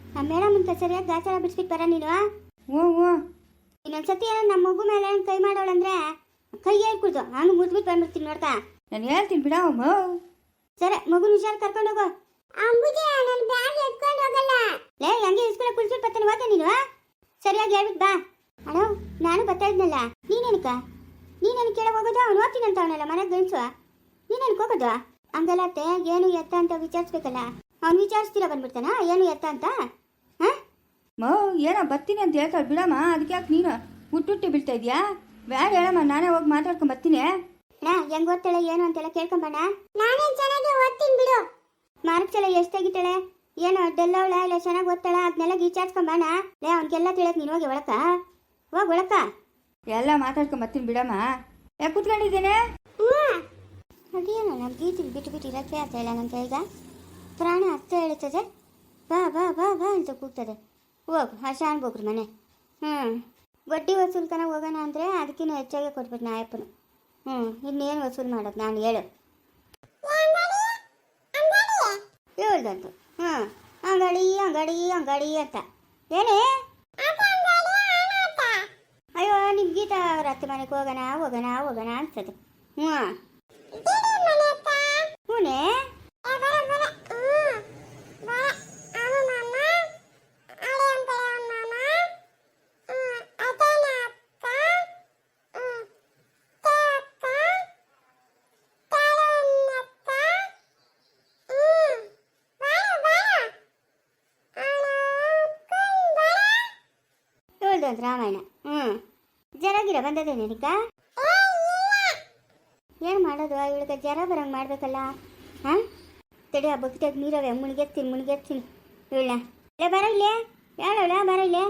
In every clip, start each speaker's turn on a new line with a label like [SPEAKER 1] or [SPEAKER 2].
[SPEAKER 1] ಆ ಮೇಡಮ್ ಅಂತ ಸರಿಯಾಗಿ ಗಾಚಾರ ಬಿಡಿಸ್ಬಿಟ್ಟು ಬರ ನೀನು.
[SPEAKER 2] ಹ್ಞೂ ಹ್ಞೂ.
[SPEAKER 1] ಇನ್ನೊಂದ್ಸತಿ ನಮ್ಮ ಮಗು ಮೇಲೆ ಕೈ ಮಾಡೋಳಂದ್ರೆ ಕೈ ಹೇಳ್ಕೊಡ್ದು ಹಂಗೆ ಮುದ್ಬಿಟ್ಟು ಬಂದ್ಬಿಡ್ತೀನಿ ನೋಡ್ಕ.
[SPEAKER 2] ನಾನು ಹೇಳ್ತೀನಿ ಬಿಡ ಅಮ್ಮ.
[SPEAKER 1] ಸರಿ ಮಗುನ ಹುಷಾರು ಕರ್ಕೊಂಡು ಹೋಗು. ಲೇ ಹಂಗೆ ಇಸ್ಕೊಳಕ್ ಕುಳಿಸ್ಬಿಟ್ಟು ಬರ್ತಾನೆ ಹೋದ ನೀನು. ಸರಿಯಾಗಿ ಹೇಳ್ಬಿಟ್ಟು ಬಾ. ಅಣ್ಣ ನಾನು ಬರ್ತಾ ಇದ್ನಲ್ಲ, ನೀನೇನು ಕೇಳ ಹೋಗೋದು? ಅವ್ನು ಓದ್ತೀನಿ ಅಂತ ಅವನಲ್ಲ ಮನೆಗೆ ಗಣಿಸುವ, ನೀನೇನಕ್ಕೆ ಹೋಗೋದು? ಹಂಗಲ್ಲ ಅತ್ತೆ, ಏನು ಎತ್ತ ಅಂತ ವಿಚಾರಿಸ್ಬೇಕಲ್ಲ. ಅವ್ನು ವಿಚಾರಿಸ್ತೀರ ಬಂದ್ಬಿಡ್ತಾನ ಏನು ಎತ್ತ ಅಂತ? ಹಾಂ
[SPEAKER 2] ಏನೋ ಬರ್ತೀನಿ ಅಂತ ಹೇಳ್ತಾಳೆ ಬಿಡಮ್ಮ. ಅದಕ್ಕೆ ಯಾಕೆ ನೀನು ಹುಟ್ಟುಟ್ಟಿ ಬೀಳ್ತಾ ಇದೆಯಾ? ಬೇಡ ಹೇಳಮ್ಮ, ನಾನೇ ಹೋಗಿ ಮಾತಾಡ್ಕೊಂಡು ಬರ್ತೀನಿ.
[SPEAKER 1] ಅಣ್ಣ ಹೆಂಗೆ ಓದ್ತಾಳೆ ಏನು ಅಂತೆಲ್ಲ ಕೇಳ್ಕೊಂಬಣ್ಣ. ನಾನೇ ಚೆನ್ನಾಗಿ ಓದ್ತೀನಿ ಬಿಡು. ಮಾರ್ಕ್ಸ್ ಎಲ್ಲ ಎಷ್ಟು ತೆಗಿತಾಳೆ, ಏನು ಡೆಲ್ಲವಳ ಇಲ್ಲ ಚೆನ್ನಾಗಿ ಓದ್ತಾಳ ಅದನ್ನೆಲ್ಲ ವಿಚಾರಿಸ್ಕೊಂಬಣ್ಣ. ಲೇ ಅವ್ನಿಗೆಲ್ಲ ತಿಳಿಯಕ್ಕೆ ನೀನು ಹೋಗಿ ಒಳಕ ಹೋಗಿ ಒಳಕ
[SPEAKER 2] ಎಲ್ಲ ಮಾತಾಡ್ಕೊಂಡು ಬರ್ತೀನಿ ಬಿಡಮ್ಮ. ಯಾಕೆ ಕೂತ್ಕೊಂಡಿದ್ದೇನೆ?
[SPEAKER 1] ಅದೇನು ನಮ್ಮ ಗೀತಿ ಬಿಟ್ಟು ಇರೋಕ್ಕೆ ಆಗ್ತಾ ಇಲ್ಲ ನನ್ನ ಕೈಗ. ಪ್ರಾಣ ಅರ್ಥ ಹೇಳ್ತದೆ, ಬಾ ಬಾ ಬಾ ಬಾ ಅಂತ ಕೂಗ್ತದೆ. ಹೋಗು ಹರ್ಷಾನ್ ಹೋಗ್ರಿ ಮನೆ. ಬಡ್ಡಿ ವಸೂಲ್ಕನ ಹೋಗೋಣ ಅಂದರೆ ಅದಕ್ಕಿಂತ ಹೆಚ್ಚಾಗೆ ಕೊಟ್ಬಿಟ್ಟು ನಾಯಪ್ಪನು. ಇನ್ನೇನು ವಸೂಲು ಮಾಡೋದು ನಾನು ಹೇಳು ಹೇಳ್ದಂತು. ಅಂಗಡಿ ಅಂಗಡಿ ಅಂಗಡಿ ಅಂತ ಏನೇ? ಅಯ್ಯೋ ನಿಮ್ಮ ಗೀತಾ ಅವ್ರ ಅತ್ತೆ ಮನೆಗೆ ಹೋಗೋಣ ಹೋಗೋಣ ಹೋಗೋಣ ಅನ್ಸ್ತದೆ. ಹೂನೇ ಹೇಳ್ದಂತ ರಾಮಾಯಣ. ಜರಾಗಿರ ಬಂದದೆ ನಿನಗ? ಏನು ಮಾಡೋದು ಇವಳಿಗೆ ಜರ ಬರಂಗೆ ಮಾಡ್ಬೇಕಲ್ಲ. ತಡಿ ಆ ಬಗ್ತಾಗ ನೀರವೆ ಮುಣಿಗೆತ್ತೀನಿ ಇವಳ. ಲೇ ಬರ ಇಲ್ಲೇ ಹೇಳವಳ ಬರ ಇಲ್ಲೇ.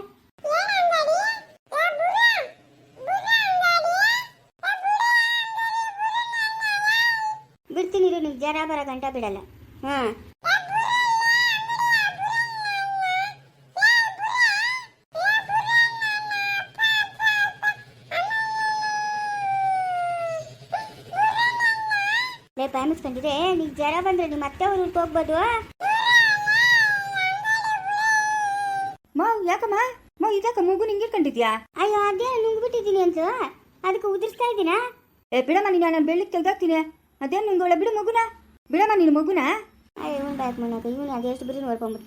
[SPEAKER 1] ಬಿಡ್ತೀನಿ ನಿಮ್ಗೆ ಜರ ಬರೋ ಗಂಟ ಬಿಡಲ್ಲ. ಬಾಯ್ ಮುಚ್ಕೊಂಡಿದ್ರೆ ನೀನು ಜ್ವರ ಬಂದ್ರೆ ನಿಮ್ಮ ಮತ್ತೆ ಅವ್ರು ಹೋಗ್ಬೋದು.
[SPEAKER 2] ಯಾಕಮ್ಮ ಇದಕ್ಕ ಮಗು ನಿಂಗೆ ಕಂಡಿದ್ಯಾ?
[SPEAKER 1] ಅಯ್ಯೋ ಅದೇನು ನುಂಗ್ಬಿಟ್ಟಿದ್ದೀನಿ ಅಂತ ಅದಕ್ಕೆ ಉದುರಿಸ್ತಾ ಇದ್ದೀನಾ?
[SPEAKER 2] ಬಿಡಮ್ಮ ನೀನು, ನಾನು ಬೆಳ್ಳಿಗೆ ತೆಗ್ದಾಕ್ತೀನಿ. ಅದೇನು ನುಂಗೋಳ ಬಿಡು ಮಗುನ, ಬಿಡಮ್ಮ ನೀನು ಮಗುನ.
[SPEAKER 1] ಅಯ್ಯೋ ಇವ್ನು ಬಾಯ್ ಮನಾಗ ಇವನು ಅದೇ ಎಷ್ಟು ಬರೀ ನೋಡ್ಕೊಂಬಿಟ್ಟ.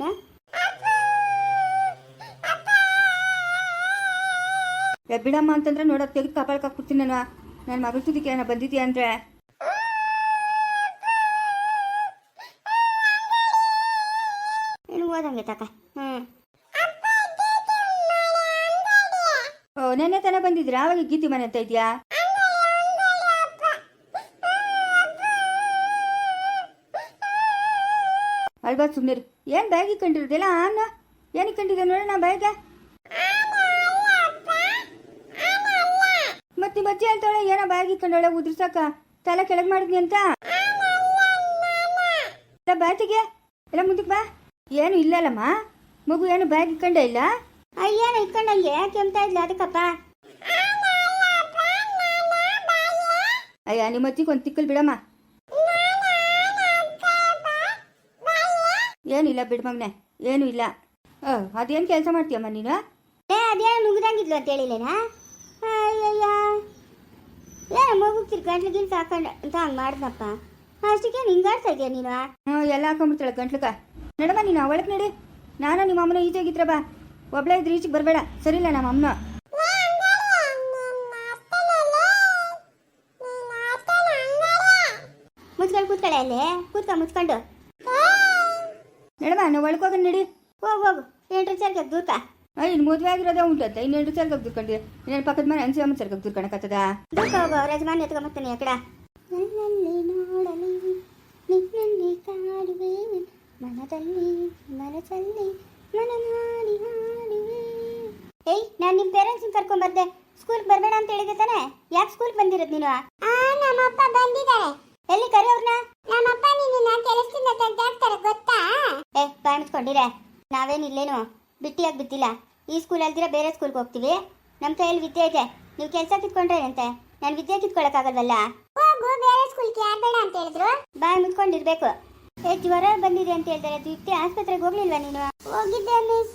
[SPEAKER 2] ಬಿಡಮ್ಮ ಅಂತಂದ್ರೆ ನೋಡೋದು ತೆಗೆದು ಕಪಾಳಕ್ಕೆ ಹಾಕ್ಬಿಡ್ತೀನಿ ನಾನು. ನನ್ನ ಮಗಳ ತುದಿಕೆ ಏನೋ ಬಂದಿದ್ಯಾ ಅಂದ್ರೆ
[SPEAKER 1] ಓದಂಗೆ ತಕ.
[SPEAKER 2] ನೆನ್ನೆ ತಾನೇ ಬಂದಿದ್ರಾ? ಅವಾಗ ಗೀತಿ ಮನೆ ಅಂತ ಇದೆಯಾ? ಅಲ್ವಾ ಸುಮ್ಮನೆ ಏನು ಬ್ಯಾಗ್ ಇಕ್ಕೊಂಡಿರೋದಿಲ್ಲ ಅನ್ನ ಏನು ಇಕ್ಕೊಂಡಿದೆ ನೋಡೋಣ ಬ್ಯಾಗ. ಮತ್ತೆ ಬಚ್ಚಿ ಅಂತಾಳೆ ಏನೋ ಬ್ಯಾಗ್ ಇಕ್ಕೊಂಡವಳೆ ಉದ್ರಸಾಕ ತಲೆ ಕೆಳಗೆ ಮಾಡಿದ್ನಿ ಅಂತ. ಬ್ಯಾಟಿಗೆ ಎಲ್ಲ ಮುಂದಕ್ಕೆ ಬಾ. ಏನು ಇಲ್ಲಲ್ಲಮ್ಮ ಮಗು, ಏನು ಬ್ಯಾಗ್ ಇಕ್ಕೊಂಡೇ ಇಲ್ಲ?
[SPEAKER 1] ಅಯ್ಯೇನು ಇಕ್ಕೊಂಡಂಗೆ ಕೆಮ್ತಾ ಇದ್ಲ ಅದಕ್ಕಪ್ಪ.
[SPEAKER 2] ಅಯ್ಯ ನಿಮ್ಮ ಅಜ್ಜಿಗೆ ಒಂದು ತಿಕ್ಕಲ್ ಬಿಡಮ್ಮ. ಏನಿಲ್ಲ ಬಿಡು ಮಗನೆ, ಏನೂ ಇಲ್ಲ. ಅದೇನು ಕೆಲಸ ಮಾಡ್ತೀಯಮ್ಮ ನೀನು?
[SPEAKER 1] ಅದೇನು ನುಗ್ದಂಗಿದ್ಲು ಅಂತ ಹೇಳಿಲ್ಲೇನಾ? ಅಯ್ಯಯ್ಯ ಏನೋ ಮಗು ಗಂಟ್ಲು ಗಿಂಟ್ಲು ಹಾಕೊಂಡು ಅಂತ ಹಂಗೆ ಮಾಡಿದ್ನಪ್ಪ. ಅಷ್ಟಕ್ಕೆ ಹಿಂಗಾಡ್ತಾ ಇದೆಯಾ ನೀನು?
[SPEAKER 2] ಎಲ್ಲ ಹಾಕೊಂಡ್ಬಿಡ್ತಾಳೆ ಗಂಟ್ಲಕ್ಕ. ನಡಮ್ಮ ನೀನು ಒಳಗೆ ನಡಿ. ನಾನು ನಿಮ್ಮ ಅಮ್ಮನ ಈಚೆಗಿದ್ರ ಬಾ. ಒಬ್ಳೆ ಇದ್ರೆ ಈಚೆಗೆ ಬರಬೇಡ, ಸರಿಲ್ಲ ನಮ್ಮ ಅಮ್ಮನ.
[SPEAKER 1] ಮುಚ್ಕೊಂಡು ಕೂತ್ಕೊಳ್ಳೆ ಅಲ್ಲೇ ಮುಚ್ಕೊಂಡು
[SPEAKER 2] ನಡಮ್ಮ ನಾವು ಒಳಗೆ ನಡಿ.
[SPEAKER 1] ಹೋಗು 8 ಸರ್ಗೆ ದೂರ್ಕ.
[SPEAKER 2] ಇನ್ನು ಮದುವೆ ಆಗಿರೋದೇ ಉಂಟಂತೆ, ಇನ್ನು 8 ಸರ್ಗೆ ದೂರ್ಕೊಂಡ್ರಿ. ಇನ್ನೇನು ಪಕ್ಕದ ಮನೆ ಅನ್ಸಮ್ಮ ಸರ್ಗೆ ದೂರ್ಕೊಳಕತ್ತದ?
[SPEAKER 1] ದೂರ್ಕ ಹೋಗು, ರಜಮಾನ್ ಎತ್ಕೊಂಬರ್ತಾನೆ ಆ ಕಡೆ. ನನ್ನಲ್ಲಿ ನೋಡಲಿ ನಿನ್ನಲ್ಲಿ ಕಾಡುವೆ, ಮನದಲ್ಲಿ ಮನಸ್ಸಲ್ಲಿ ಮನನಾಡಿ ಹಾಡುವೆ. ಏಯ್ ನಾನು ನಿಮ್ಮ ಪೇರೆಂಟ್ಸ್ನ ಕರ್ಕೊಂಡ್ಬರ್ದೆ, ಸ್ಕೂಲ್ಗೆ ಬರಬೇಡ ಅಂತ ಹೇಳಿದೆ ತಾನೆ? ಯಾಕೆ ಸ್ಕೂಲ್ಗೆ ಬಂದಿರೋದು ನೀನು? ನಮ್ಮಪ್ಪ ಬಂದಿದ್ದಾರೆ. ಎಲ್ಲಿ ಕರೆಯವ್ರನ್ನ? ನಮ್ಮಪ್ಪ ನಿನ್ನ ಕೆಲಸದಿಂದ ತೆಗ್ದಾಕ್ತಾರೆ ಗೊತ್ತಾ? ಬಾಯ್ ಮುಚ್ಕೊಂಡಿರೆ, ನಾವೇನಿಲ್ಲೇನು ಬಿಟ್ಟಿಯಾಗಿ ಬಿದ್ದಿಲ್ಲ. ಈ ಸ್ಕೂಲ್ ಅಲ್ದಿರ ಬೇರೆ ಸ್ಕೂಲ್ಗೆ ಹೋಗ್ತೀವಿ. ನಮ್ಮ ಕೈಯಲ್ಲಿ ವಿದ್ಯೆ ಇದೆ, ನೀವು ಕೆಲಸ ಕಿತ್ಕೊಂಡ್ರೇನಂತೆ? ನಾನು ವಿದ್ಯೆ ಕಿತ್ಕೊಳಕ್ಕಾಗಲ್ವಲ್ಲ. ಹೋಗು, ಬೇರೆ ಸ್ಕೂಲ್ಗೆ ಯಾರು ಬೇಡ ಅಂತ ಹೇಳಿದ್ರು? ಬಾಯ್ ಮುಚ್ಕೊಂಡಿರ್ಬೇಕು. ಜ್ವರ ಬಂದಿದೆ ಅಂತ ಹೇಳ್ತಾರೆ. ದೀಪ್ತಿ ಆಸ್ಪತ್ರೆಗೆ ಹೋಗ್ಲಿಲ್ವಾ ನೀನು? ಹೋಗಿದ್ದೆ ಮಿಸ್.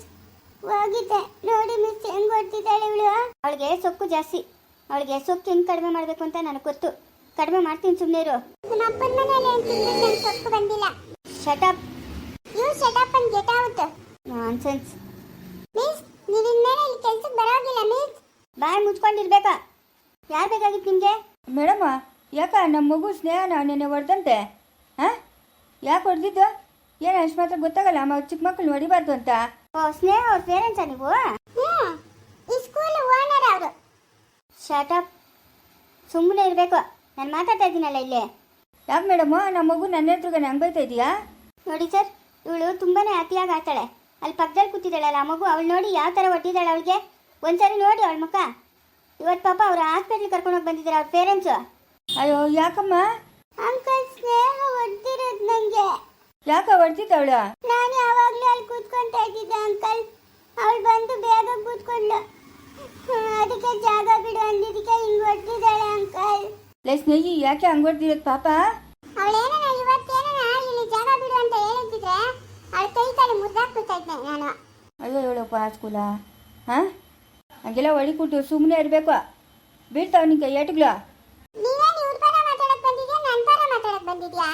[SPEAKER 1] ಜಾಸ್ತಿ. ಅವಳಿಗೆ ಸೊಕ್ಕು ಹೆಂಗೆ ಕಡಿಮೆ ಮಾಡಬೇಕು ಅಂತ ನನಗೆ ಗೊತ್ತು. ಕಡಿಮೆ ಮಾಡ್ತೀನಿ, ಸುಮ್ಮನೆ ಇರು. ನಮ್ಮ ಅಪ್ಪನ ಮನೆಯಲ್ಲಿ ಏನು ತಿಂದ್ರೆ ನಂಗೆ ಸೊಕ್ಕು ಬಂದಿಲ್ಲ. Shut up. You shut up and get out. Nonsense. Miss, ನೀವು ಇನ್ಮೇಲೆ ಇಲ್ಲಿ ಕೆಲಸಕ್ಕೆ ಬರೋಗಿಲ್ಲ ಮಿಸ್. ಬಾಯ್ ಮುಚ್ಕೊಂಡಿರ್ಬೇಕಾ? ಯಾರು ಬೇಕಾಗಿತ್ತು ನಿಮಗೆ?
[SPEAKER 2] ಮೇಡಮ್ಮ, ಯಾಕ ನಮ್ಮ ಮಗು ಸ್ನೇಹನ ನೆನ್ನೆ ಹೊಡೆದಂತೆ? ಹಾಂ, ಯಾಕೆ ಹೊಡೆದಿದ್ದು? ಏನು ಅಷ್ಟು ಮಾತ್ರ ಗೊತ್ತಾಗಲ್ಲ ಚಿಕ್ಕ ಮಕ್ಕಳು ಹೊಡಿಬಾರ್ದು ಅಂತ.
[SPEAKER 1] ಓ, ಸ್ನೇಹ ಅವ್ರ ಪೇರೆಂಟ್ಸಾ ನೀವು? ಈ ಸ್ಕೂಲ್ ಓನರ್ ಅವರು. ಶಟಪ್. ಸುಮ್ಮನೆ ಇರಬೇಕು. ನಾನು ಮಾತಾಡ್ತಾ ಇದ್ದೀನಲ್ಲ ಇಲ್ಲಿ.
[SPEAKER 2] ಯಾಕೆ ಮೇಡಮ್ಮು, ನಮ್ಮ ಮಗು ನನ್ನ ಎದುರುಗಡೆ ಹಂಗೆ ಬೈತಾ ಇದೆಯಾ?
[SPEAKER 1] ನೋಡಿ ಸರ್, ಇವಳು ತುಂಬಾನೇ ಅತಿಯಾಗಿ ಆಡ್ತಾಳೆ. ಅಲ್ಲಿ ಪಕ್ಕದಲ್ಲಿ ಕೂತಿದ್ದಾಳಲ್ಲ ಆ ಮಗು, ಅವಳು ನೋಡಿ ಯಾವ ಥರ ಹೊಟ್ಟಿದ್ದಾಳೆ ಅವಳಿಗೆ. ಒಂದ್ಸರಿ ನೋಡಿ ಅವಳ ಮುಖ. ಇವತ್ತು ಪಾಪ ಅವ್ರ ಹಾಸ್ಪಿಟ್ಲಿಗೆ ಕರ್ಕೊಂಡೋಗಿ ಬಂದಿದ್ದಾರೆ ಅವ್ರ ಪೇರೆಂಟ್ಸು.
[SPEAKER 2] ಅಯ್ಯೋ, ಯಾಕಮ್ಮ?
[SPEAKER 1] ಅಂಕಲ್, ಸ್ನೇಹ ಹೊಡ್ತಿರೋದು ನನಗೆ.
[SPEAKER 2] ಯಾಕೆ ಹೊಡ್ತಿದ್ದವಳು?
[SPEAKER 1] ನಾನು ಯಾವಾಗಲೂ ಅಲ್ಲಿ ಕೂತ್ಕೊಂತಾ ಇದ್ದಿದ್ದೆ ಅಂಕಲ್. ಅವಳು ಬಂದು ಬೇಗ ಕೂತ್ಕೊಂಡ್ಲು. ಅದಕ್ಕೆ ಜಾಗ ಬಿಡು ಅಂದಿದ್ದಕ್ಕೆ ಹಿಂಗೆ ಹೊಡ್ತಿದ್ದಾಳೆ ಅಂಕಲ್.
[SPEAKER 2] ಲೇ ಸ್ನೇಹಿ, ಯಾಕೆ ಹಂಗೆ ಹೊಡ್ದಿರೋದು ಪಾಪ?
[SPEAKER 1] ಅವಳೇನ ಇವತ್ತೇನ ಇಲ್ಲಿ ಜಾಗ ಬಿಡು ಅಂತ ಹೇಳಿದ್ರೆ ಅವಳ ಕೈ ಕಾಲು ಮುರಿದಾಕ್ಬಿಡ್ತಾ ಇದ್ದೆ ನಾನು.
[SPEAKER 2] ಅಯ್ಯೋ ಹೇಳಪ್ಪ ಸ್ಕೂಲ. ಹಾಂ, ಹಂಗೆಲ್ಲ ಹೊಡಿಕೊಟ್ಟು ಸುಮ್ಮನೆ ಇರಬೇಕು. ಬೀಳ್ತಾವ ನಿಂಗೆ ಏಟುಗಳು.
[SPEAKER 1] ನೀವೇನು ಇವ್ರ ಪರ ಮಾತಾಡಕ್ ಬಂದಿದ್ಯಾ, ನನ್ನ ಪರ ಮಾತಾಡಕ್ ಬಂದಿದ್ಯಾ?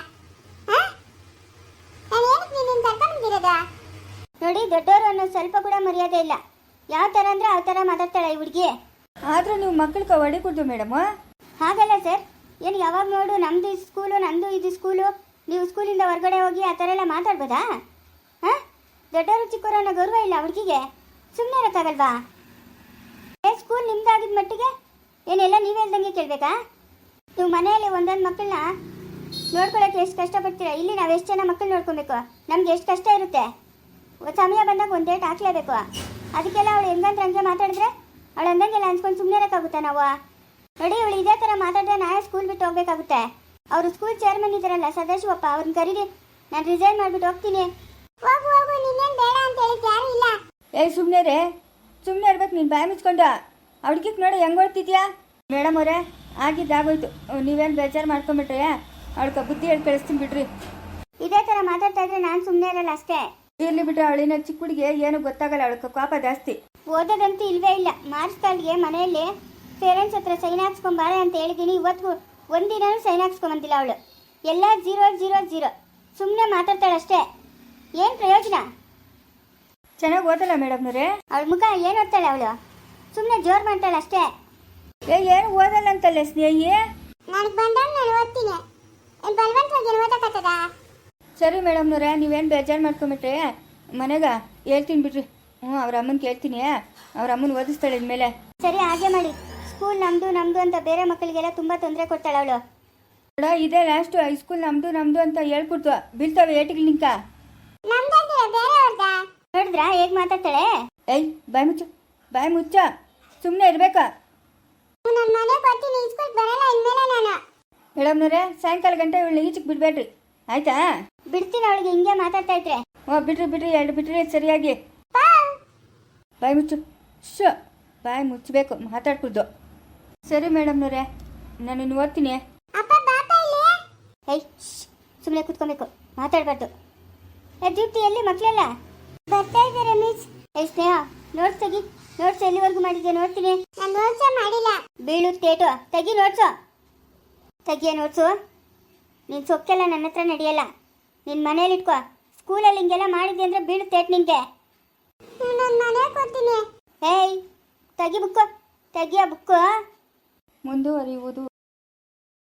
[SPEAKER 1] ನಾನು ಏನಕ್ಕೆ ನಿನ್ನ ಕರ್ಕೊಂಡ್ಬಂದಿರೋದ? ನೋಡಿ, ದೊಡ್ಡವರು ಅನ್ನೋ ಸ್ವಲ್ಪ ಕೂಡ ಮರ್ಯಾದೆ ಇಲ್ಲ. ಯಾವ ಥರ ಅಂದರೆ ಆ ಥರ ಮಾತಾಡ್ತಾಳೆ ಈ ಹುಡುಗಿ.
[SPEAKER 2] ಆದರೂ ನೀವು ಮಕ್ಕಳಿಗೆ ಹೊಡಿಕೊಡ್ದು ಮೇಡಮು.
[SPEAKER 1] ಹಾಗಲ್ಲ ಸರ್, ಏನು ಯಾವಾಗ ನೋಡು ನಮ್ಮದು ಸ್ಕೂಲು, ನಂದು ಇದು ಸ್ಕೂಲು, ನೀವು ಸ್ಕೂಲಿಂದ ಹೊರಗಡೆ ಹೋಗಿ ಆ ಥರ ಎಲ್ಲ ಮಾತಾಡ್ಬೋದಾ? ಹಾಂ, ದೊಡ್ಡವರು ಚಿಕ್ಕವರು ಅನ್ನೋ ಗೌರವ ಇಲ್ಲ ಹುಡುಗಿಗೆ. ಸುಮ್ಮನೆ ಇರೋಕ್ಕಾಗಲ್ವಾ? ಸ್ಕೂಲ್ ನಿಮ್ದಾಗಿದ್ದ ಮಟ್ಟಿಗೆ ಏನೆಲ್ಲ ನೀವೇ ಹೇಳ್ದಂಗೆ ಕೇಳಬೇಕಾ? ನೀವು ಮನೆಯಲ್ಲಿ ಒಂದೊಂದು ಮಕ್ಕಳನ್ನ ನೋಡ್ಕೊಳ್ಳೋಕೆ ಎಷ್ಟು ಕಷ್ಟಪಡ್ತೀರಾ. ಇಲ್ಲಿ ನಾವು ಎಷ್ಟು ಜನ ಮಕ್ಕಳು ನೋಡ್ಕೊಬೇಕು, ನಮ್ಗೆ ಎಷ್ಟು ಕಷ್ಟ ಇರುತ್ತೆ. ಸಮಯ ಬಂದಾಗ ಒಂದು ಡೇಟ್ ಹಾಕ್ಲೇಬೇಕು. ಅದಕ್ಕೆಲ್ಲ ಅವಳು ಹೆಂಗಂದ್ರೆ ಹಂಗೆ ಮಾತಾಡಿದ್ರೆ ಅವಳು ಅಂದಂಗೆಲ್ಲ ಅನ್ಸ್ಕೊಂಡು ಸುಮ್ಮನೆ ಇರೋಕ್ಕಾಗುತ್ತಾ ನಾವು? ನೋಡಿ, ಇವಳು ಇದೇ ಥರ ಮಾತಾಡಿದ್ರೆ ನಾಳೆ ಸ್ಕೂಲ್ ಬಿಟ್ಟು ಹೋಗ್ಬೇಕಾಗುತ್ತೆ. ಅವರು ಸ್ಕೂಲ್ ಚೇರ್ಮನ್ ಇದ್ದಾರಲ್ಲ ಸದಾಶಿವಪ್ಪ, ಅವ್ರನ್ನ ಕರೀರಿ. ನಾನು ರಿಸೈನ್ ಮಾಡಿಬಿಟ್ಟು ಹೋಗ್ತೀನಿ. ಹೋಗು ಹೋಗು, ನಿನ್ನೇನು ಬೇಡ ಅಂತ ಹೇಳಿದ್ದು ಯಾರು ಇಲ್ಲ.
[SPEAKER 2] ಸುಮ್ಮನೆ ರೇ, ಸುಮ್ಮನೆ ಇರ್ಬೇಕು. ನೀನು ಬಾಯಿ ಮುಚ್ಕೊಂಡು ಅವ್ಳಿಗೆ ನೋಡಿ ಹೆಂಗೆ ಹೊಡ್ತಿದ್ಯಾ? ಮೇಡಮ್ ಅವರೇ, ಆಗಿದ್ದಾಗೋಯ್ತು. ನೀವೇನು ಬೇಜಾರು ಮಾಡ್ಕೊಂಬಿಟ್ರೆ ಅವಳಿಗೆ ಬುದ್ಧಿ ಹೇಳಿ ಕಳಿಸ್ತೀನಿ ಬಿಡ್ರಿ.
[SPEAKER 1] ಇದೇ ಥರ ಮಾತಾಡ್ತಾ ಇದ್ರೆ ನಾನು ಸುಮ್ಮನೆ ಇರಲ್ಲ ಅಷ್ಟೇ.
[SPEAKER 2] ಇರ್ಲಿ ಬಿಟ್ರೆ, ಅವಳಿನ ಚಿಕ್ಕ ಹುಡುಗಿಗೆ ಏನು ಗೊತ್ತಾಗಲ್ಲ, ಅವಳಿಗೆ ಕೋಪ ಜಾಸ್ತಿ.
[SPEAKER 1] ಓದೋದಂತೂ ಇಲ್ವೇ ಇಲ್ಲ. ಮಾರ್ಕ್ಸ್ ಕಾರ್ಡ್ಗೆ ಮನೆಯಲ್ಲಿ ಪೇರೆಂಟ್ಸ್ ಹತ್ರ ಸೈನ್ ಹಾಕ್ಸ್ಕೊಂಬಾರೆ ಅಂತ ಹೇಳಿದ್ದೀನಿ. ಇವತ್ತು ಒಂದಿನೂ ಸೈನ್ ಹಾಕ್ಸ್ಕೊಂಬಂದಿಲ್ಲ ಅವಳು. ಎಲ್ಲ 0 ಸುಮ್ಮನೆ ಮಾತಾಡ್ತಾಳೆ ಅಷ್ಟೇ. ಏನು ಪ್ರಯೋಜನ?
[SPEAKER 2] ಚೆನ್ನಾಗಿ ಓದಲ್ಲ ಮೇಡಮ್ನವ್ರೆ.
[SPEAKER 1] ಅವಳ ಮುಖ ಏನು ಓದ್ತಾಳೆ ಅವಳು? ಸುಮ್ಮನೆ ಜೋರು ಮಾಡ್ತಾಳೆ ಅಷ್ಟೇ.
[SPEAKER 2] ಏನು ಓದಲ್ಲ ಅಂತಲ್ಲ ಸ್ನೇಹಿ.
[SPEAKER 1] ನನಗೆ ಬಂದಾಗ ನಾನು ಓದ್ತೀನಿ. ಬಲವಂತವಾಗಿ ಏನು ಓದಕ್ಕಾಗ್ತದ?
[SPEAKER 2] ಸರಿ ಮೇಡಮ್ನವ್ರೆ, ನೀವೇನು ಬೇಜಾರು ಮಾಡ್ಕೊಂಬಿಟ್ರೆ ಮನೆಗೆ ಹೇಳ್ತೀನಿ ಬಿಡ್ರಿ. ಅವ್ರ ಅಮ್ಮನ ಕೇಳ್ತೀನಿ, ಅವ್ರ ಅಮ್ಮನ ಓದಿಸ್ತಾಳೆ ಇನ್ಮೇಲೆ.
[SPEAKER 1] ಸರಿ, ಹಾಗೆ ಮಾಡಿ. ಸ್ಕೂಲ್ ನಮ್ಮದು ಅಂತ ಬೇರೆ ಮಕ್ಕಳಿಗೆಲ್ಲ ತುಂಬ ತೊಂದರೆ ಕೊಡ್ತಾಳೆ ಅವಳು.
[SPEAKER 2] ನೋಡ, ಇದೇ ಲಾಸ್ಟು. ಹೈಸ್ಕೂಲ್ ನಮ್ಮದು ಅಂತ ಹೇಳ್ಕೊಡ್ತು. ಬೀಳ್ತಾವೆ ಏಟಿಗೆ ನಿಂಕ.
[SPEAKER 1] ನೋಡಿದ್ರಾ ಹೇಗೆ ಮಾತಾಡ್ತಾಳೆ?
[SPEAKER 2] ಏಯ್, ಬಾಯಿ ಮುಚ್ಚ. ಸುಮ್ಮನೆ ಇರ್ಬೇಕಾ? ಮೇಡಮ್ನವ್ರೆ, ಸಾಯಂಕಾಲ ಗಂಟೆ ಇವಳು ಈಚೆಗೆ ಬಿಡಬೇಡ್ರಿ, ಆಯ್ತಾ?
[SPEAKER 1] ಬಿಡ್ತೀನಿ. ಅವಳಿಗೆ ಹಿಂಗೆ ಮಾತಾಡ್ತಾ ಇದ್ರೆ.
[SPEAKER 2] ಬಿಡ್ರಿ 2 ಬಿಟ್ರಿ ಸರಿಯಾಗಿ. ಬಾಯಿ ಮುಚ್ಚು. ಬಾಯಿ ಮುಚ್ಚಬೇಕು, ಮಾತಾಡ್ಕೊಡ್ದು. ಸರಿ ಮೇಡಮ್ನವ್ರೆ, ನಾನು ಇನ್ನು ಓದ್ತೀನಿ.
[SPEAKER 1] ಏಯ್, ಸುಮ್ಮನೆ ಕೂತ್ಕೊಬೇಕು, ಮಾತಾಡಬಾರ್ದು. ದೀಪ್ತಿ, ಎಲ್ಲಿ ಮಕ್ಕಳೆಲ್ಲ? ಬರ್ತಾ ಇದ್ದಾರೆ ಮಿಸ್. ಏಯ್ ಸ್ನೇಹ, ನೋಟ್ಸ್ ತೆಗಿ. ನೋಟ್ಸ್ ಎಲ್ಲಿವರೆಗೂ ಮಾಡಿದ್ಯಾ ನೋಡ್ತೀನಿ. ನಾನು ನೋಟ್ಸೇ ಮಾಡಿಲ್ಲ. ಬೀಳುತ್ತೇಟು. ತೆಗಿ ನೋಟ್ಸು. ತೆಗಿಯ ನೋಟ್ಸು. ನೀನು ಸೊಕ್ಕೆಲ್ಲ ನನ್ನ ಹತ್ರ ನಡೆಯಲ್ಲ. ನಿನ್ನ ಮನೇಲಿ ಇಟ್ಕೋ. ಸ್ಕೂಲಲ್ಲಿ ಹಿಂಗೆಲ್ಲ ಮಾಡಿದ್ದೆ ಅಂದರೆ ಬೀಳುತ್ತೇಟು ನಿಂಗೆ. ನಾನು ಮನೆ ಕೊಡ್ತೀನಿ. ಏಯ್, ತೆಗಿ ಬುಕ್ಕು. ತೆಗಿಯ ಬುಕ್ಕು.
[SPEAKER 2] ಮುಂದುವರಿಯುವುದು.